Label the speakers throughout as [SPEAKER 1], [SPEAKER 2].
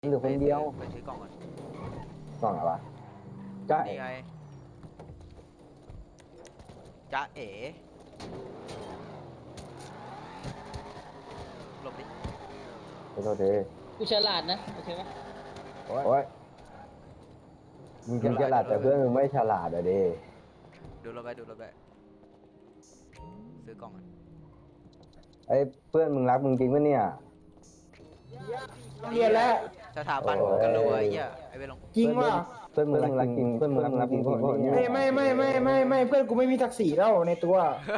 [SPEAKER 1] เหลือคนเดียว
[SPEAKER 2] ไปซื้อกล่องก่อน
[SPEAKER 1] กล่องอะไรวะจ้า
[SPEAKER 2] นี่ไงจ๊ะเอ๋หลบดิ
[SPEAKER 1] ขอโทษที
[SPEAKER 3] กูฉลาดนะโอเคไหม
[SPEAKER 1] โอ้ยมึงฉลาดแต่เพื่อนมึงไม่ฉลาดอะดิ
[SPEAKER 2] ดูรถไปซื้อกล่องก่อน
[SPEAKER 1] ไอ้เพื่อนมึงรักมึงจริงปะเนี่ย
[SPEAKER 4] เรียนแล้ว
[SPEAKER 2] สถาบันมึงกันรวยเหี้ยไอ้เวลง
[SPEAKER 4] จริงว่ะ
[SPEAKER 1] เพื่อนมึงรักจริงเพื่อนมึงรักจริงเพราะเนี่ย
[SPEAKER 4] ไม่เพื่อนกูไม่มีศักดิ์ศรีแล้วในตัว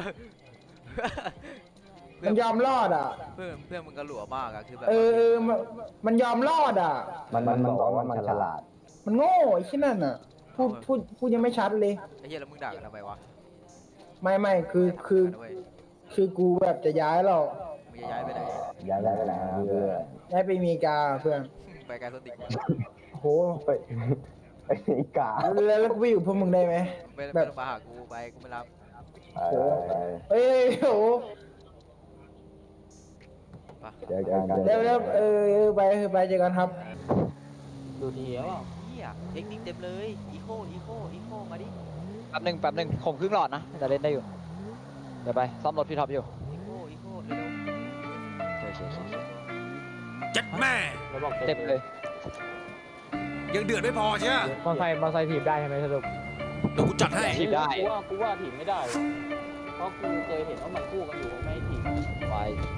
[SPEAKER 4] มันยอมรอดอ่ะ
[SPEAKER 2] เพื่อนมึงกันหลัวมากอะคือแบบ
[SPEAKER 4] มันยอมรอดอ่ะ
[SPEAKER 1] มันบอกว่ามันฉลาด
[SPEAKER 4] มันโง่ไอ้ที่นั่นอ่ะพูดยังไม่ชัดเลย
[SPEAKER 2] ไอ้เหี้ยแล้วมึงด่ากันทำไมวะ
[SPEAKER 4] ไม่คือกูแบบจะย้ายเรา
[SPEAKER 2] มึงจะย้ายไปไหน
[SPEAKER 1] ย้ายได้ไปไหนเพื่อน
[SPEAKER 4] ย้ายไปอเมริกาเพื่อน
[SPEAKER 2] ไปไกลสติก
[SPEAKER 4] โห
[SPEAKER 1] ไปอีกา
[SPEAKER 4] แล้วกูไปอยู่พวกมึงได้ไหม
[SPEAKER 2] ไม่
[SPEAKER 4] แบ
[SPEAKER 2] ต้
[SPEAKER 4] บ
[SPEAKER 2] องมาหากูไปกูไม่รับ
[SPEAKER 4] เฮ้ยโห
[SPEAKER 2] ปะ
[SPEAKER 1] เจอกัน
[SPEAKER 4] แล้วไปเจอกันครับ
[SPEAKER 3] ดูดีแล้ว
[SPEAKER 2] เหี้ยเทคนิคเต็มเลยอีโคมาดิ
[SPEAKER 5] แป๊บหนึ่งผมครึ่งหลอดนะจะเล่นได้อยู่เดี๋ยวไปซ่อมรถพี่ท็อปอยู่
[SPEAKER 2] อีโคเร็ว
[SPEAKER 6] เจ็ดแม่
[SPEAKER 5] เต็มเลย
[SPEAKER 6] ยังเดือดไม่พอใช่ไหม
[SPEAKER 3] มอไซค์ถีบได้ใช่ไหมสรุป
[SPEAKER 6] เดี๋ยวกูจัดให้
[SPEAKER 5] ถีบได้
[SPEAKER 3] กูว่าถีบไม่ได้ เพราะกูเคยเห็นว่ามันคู่กันอยู่ไม่ถีบ
[SPEAKER 5] ไป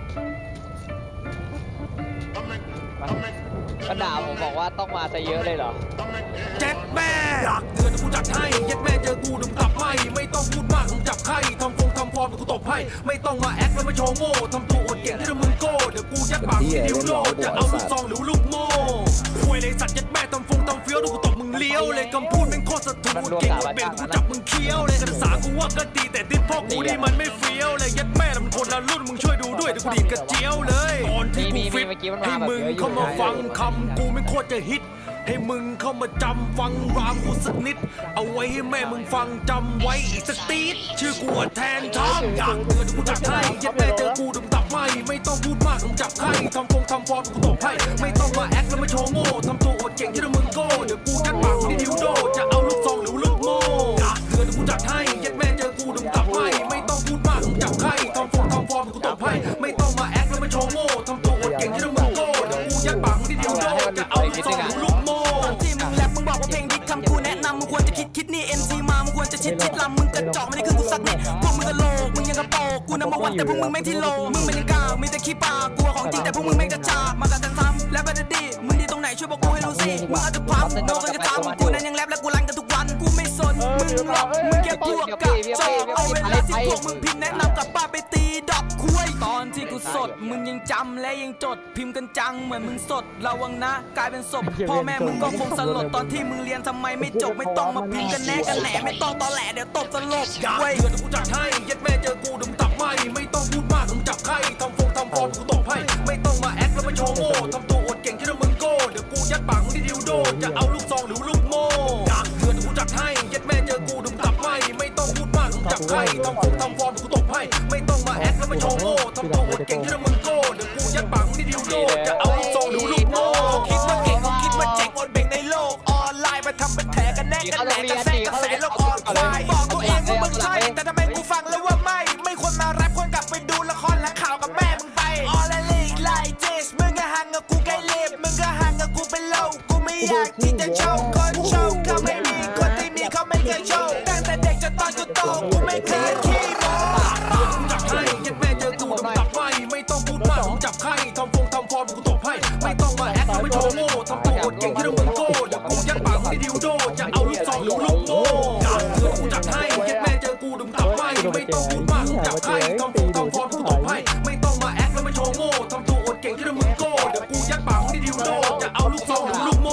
[SPEAKER 5] ก็ด่าผมบอกว่าต้องมาซะเยอะเลยเหรอ
[SPEAKER 6] เจ็ดแม่อยากเดือดเดี๋ยวกูจัดให้เจ็ดแม่เจอกูดึงกลับไม่ต้องพูดมากมึงจับไข่ทำฟอร์มเดี๋ยวกูตบให้ไม่ต้องมาแอคแล้วมาโชว์โง่ทำตัวอวดเก่งที่มึงโก้เดี๋ยวกูยัดปากมึงที่นิ้วโลจะเอาลูกซองหรือลูกโม่คุยเลยสัตว์เจ็ดแม่ทำเฟี้ยวเดี๋ยวกูตบมึงเลี้ยวเลยคำพูดแม่งโคตรสะทุนเก่งกว่าเบลกูจับมึงเคี้ยวเลยการศึกษากูว่าก็ดีแต่ติดพ่อกูนี่มันไม่เฟี้ยวเลยยัดแม่มันคนละรุ่นมึงช่วยดูด้วยเดี๋ยวกูดีดกระเจียวเลยก่อนที่กูฟิตให้มึงเข้ามาฟังคำกูไม่โคตรจะฮิตให้มึงเข้ามาจำฟังรามกูสักนิดเอาไว้ให้แม่มึงฟังจำไว้อีกสักตีดชื่อกูว่าแทนทามอยากเตือนกูจัดให้ยัดแม่เจอกูดึงตับไม่ต้องพูดมากมึงจับไข่ทำฟอร์มกูตบให้ไม่ต้องมาแอคแล้วมาโชว์โง่ทำตัวอวดเก่งที่มึงโก้เดี๋ยวกูยัดปากมึงที่ดิวโดจะเอาลูกซองหรือลูกโม่อยากเตือนกูจัดให้ยัดแม่เจอกูดึงตับไม่ต้องพูดมากมึงจับไข่ทำฟอร์มกูตบให้ไม่ต้องมาแอคแล้วมาโชว์โง่ทำตัวอวดเก่งที่มึงโก้เดี๋ยวกูยัดปากมึงที่ดิวโดจะเอาลูกซองหรือลูกโม่
[SPEAKER 7] ที่มึงแรปมึงบอกว่าเพลงดิคำกูแนะนำมึงควรจะคิดนี่ MC มามึงควรจะชิดลำมึงกระจอกไม่ได้ขึ้นกูสักนิดพวกมึงกระโหลกมึงยังกระโปกกูนำมาวันแต่พวกมึงแม่งที่โลมึงมันยังกาวมีแต่ขี้ปากกลัวของจริงแต่พวกมึงแม่งกระจอกมากันซ้ำและบัดดี้มึงดีตรงไหนช่วยบอกกูให้รู้สิมึงอาจจะพังโดนกันกระทำกูนั้นยังแรปและกูรันกันทุกวันกูไม่สนมึงหรอกมึงแค่พวกกระจอกเอาเวลาที่พวกมึงพิมพ์แนะนำกลับบ้านไปตีดอกคุยตอนที่กูสดมึงยังจำและยังจดพิมพ์กันจังเหมือนมึงสดระวังนะกลายเป็นศพพ่อแม่มึงก็คงสลดตอนที่มึงเรียนทำไมไม่จบไม่ต้องมาพิมพ์กันแน่กันแหนไม่ต้องตอแหลเดี๋ยวตบสลบ
[SPEAKER 6] อยากเดือดกูจัดให้ยัดแม่เจอกูดึงตับไม่ต้องพูดมากมึงจับไข่ทำฟอร์มกูตบให้ไม่ต้องมาแอคแล้วมาโชว์โง่ทำตัวอวดเก่งที่มึงโก้เดี๋ยวกูยัดปากมึงที่ดิวโดจะเอาลูกซองหรือลูกโม่อยากเดือดกูจัดให้ยัดแม่เจอกูดึงตับไม่ต้องพูดมากมึงจับไข่ทำฟอร์มกูตบให้ไม่ต้องมาแอคแล้วมาโชว์โง่ทำตัวอวดเก่งที่มึงโก้เดี๋ยวกูยัดปากมึงที่ดิวโดจะเอาลูกซองหรือลูกโม่
[SPEAKER 7] คิดว่าเก่งเขาคิดว่าเจ๋งอดเบ่งในโลกออนไลน์มาทำเป็นแผลกันแน่กันแหนกระแสกระแสโลกออนไลน์บอกตัวเองว่ามึงใช่แต่ทำไมกูฟังแล้วว่าไม่ควรมาแรปควรกลับไปดูละครและข่าวกับแม่มึงไปออลเลกไลเจสมึงก็ห่างกับกูใกล้เล็บมึงก็ห่างกับกูเป็นโลกกูไม่อยากที่จะโชว์คนโชว์เขาไม่มีคนที่มีเขาไม่เคยโชว์ตั้งแต่เด็กจนตอนกูโตกูไม่เคยขี้โม้
[SPEAKER 6] จับไข่ยัดแม่เจอกูดึงตับไม่ต้องพูดมากมึงจับไข่ทำฟอร์มกูตบให้ไม่ต้องมาแอคแล้วมาโชว์โง่ทำตัวอวดเก่งที่มึงโก้เดี๋ยวกูยัดปากมึงที่ดิวโดจะเอาลูกซองหรือลูกโม่อยากเดือดกูจัดให้ยัดแม่เจอกูดึงตับไม่ต้องพูดมากมึงจับไข่ทำฟอร์มกูตบให้ไม่ต้องมาแอคแล้วมาโชว์โง่ทำตัวอวดเก่งที่มึงโก้เดี๋ยวกูยัดปากมึงที่ดิวโดจะเอาลูกซองหรือลูกโม่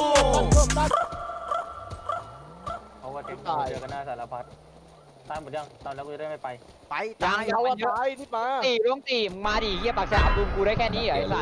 [SPEAKER 3] เพราะว่าเจอกันหน้าสารพัดตามหมดยังตอนแล้วกูจะได้ไม่ไป
[SPEAKER 2] ไป
[SPEAKER 5] ยัง
[SPEAKER 2] ตาย
[SPEAKER 5] เขาว่าตายที่มาตีต้องตีมึงมาดิเฮียปากแสบดุมกูได้แค่นี้เหรอไอ้สัส